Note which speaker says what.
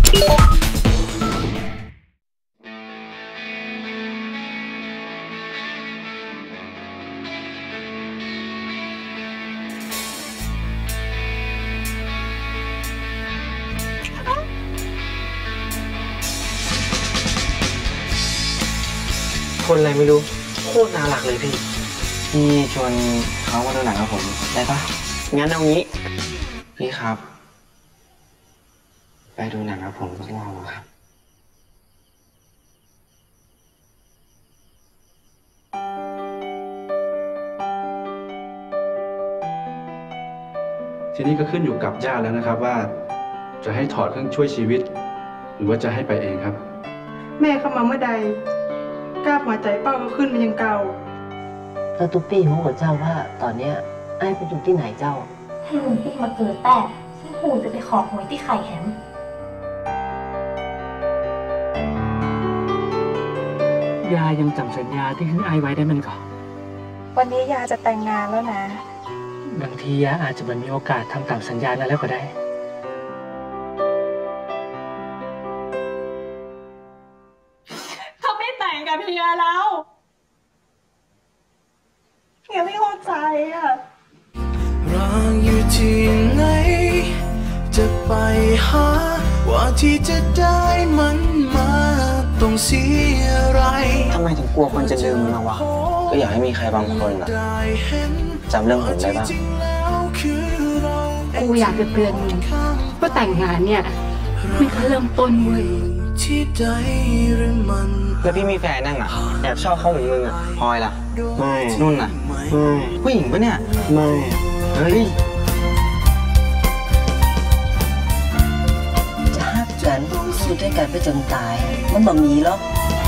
Speaker 1: คนอะไรไม่รู้โคตรน่ารักเลยพี่ชวนเขามาดูหนังกับผมได้ปะงั้นเอางี้พี่ครับไปดูหนังกับผมสักรอบครับ
Speaker 2: ทีนี้ก็ขึ้นอยู่กับญาติแล้วนะครับว่าจะให้ถอดเครื่องช่วยชีวิตหรือว่าจะให้ไปเองครับ
Speaker 3: แม่เข้ามาเมื่อใดกล้าหัวใจเป้าก็ขึ้นมายังเก่า
Speaker 4: แล้วตุ๊กปี้รู้กับเจ้าว่าตอนเนี้ยไอ้ไปอยู่ที่ไหนเจ้า
Speaker 5: ให้ลุงปี้มาเกิดแต่ซึ่งหูจะไปขอหวยที่ไข่แหม
Speaker 6: ยายังจำสัญญาที่ให้ไอ้ไว้ได้มันก่อน
Speaker 3: วันนี้ยาจะแต่งงานแล้วนะ
Speaker 6: บางทียาอาจจะไม่มีโอกาสทำตามสัญญานั้นแล้วก็ได้
Speaker 3: เขาไม่แต่งกับเฮียแล้วเฮียไม่เข้าใจอ่ะ
Speaker 7: รออยู่ที่ไหนจะไปหาว่าที่จะได้มันมาต้องเสียอะไร
Speaker 1: ทำไมถึงกลัวคนจะลืมมันวะก็อยากให้มีใครบางคนอะจำเรื่องผมได้บ้าง
Speaker 8: กูอยากจะเตือนมึงว่าแต่งงานเนี่ยมันแค่เริ่มต้นเว้ย
Speaker 1: แล้วพี่มีแฟนนั่งอะแอบชอบเขาเหมือนมึงอะพลอยล่ะไม่นุ่นอะไม่ผู้หญิงปะเนี่ยไม่เฮ้ย
Speaker 4: จะฮักกันสู้ด้วยกันไปจนตายมันบ่มีหรอก